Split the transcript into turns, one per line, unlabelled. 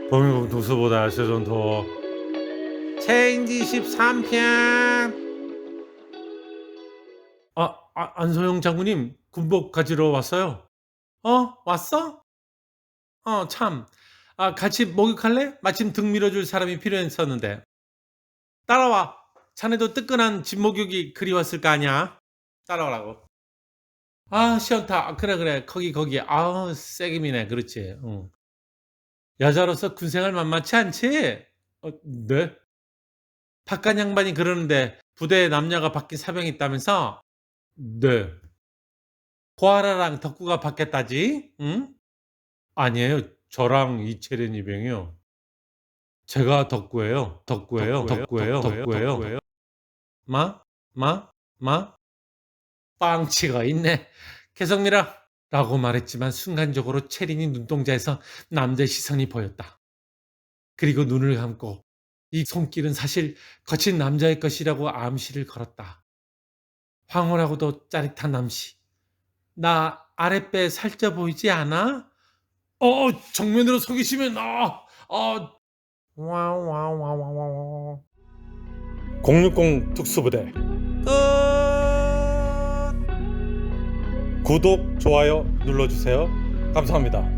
범인국 누수보다 세전 더 체인지 13편. 안소영 장군님 군복 가지러 왔어요? 왔어? 참. 같이 목욕할래? 마침 등 밀어줄 사람이 필요했었는데. 따라와. 자네도 뜨끈한 집 목욕이 그리웠을 거 아니야? 따라오라고. 시원타. 그래. 거기. 세게 미네. 그렇지. 응. 여자로서 군생활 만만치 않지? 네? 바깥 양반이 그러는데 부대에 남녀가 바뀐 사병이 있다면서? 네. 고아라랑 덕구가 바뀌었다지? 응? 아니에요. 저랑 이채련 이병이요. 제가 덕구예요. 덕구예요. 마? 마? 마? 빵치가 있네. 개성미라 라고 말했지만 순간적으로 채린이 눈동자에서 남자의 시선이 보였다. 그리고 눈을 감고 이 손길은 사실 거친 남자의 것이라고 암시를 걸었다. 황홀하고도 짜릿한 암시. 나 아랫배 살쪄 보이지 않아? 정면으로 속이시면 와와와와와 060 특수부대 끝. 구독, 좋아요 눌러주세요. 감사합니다.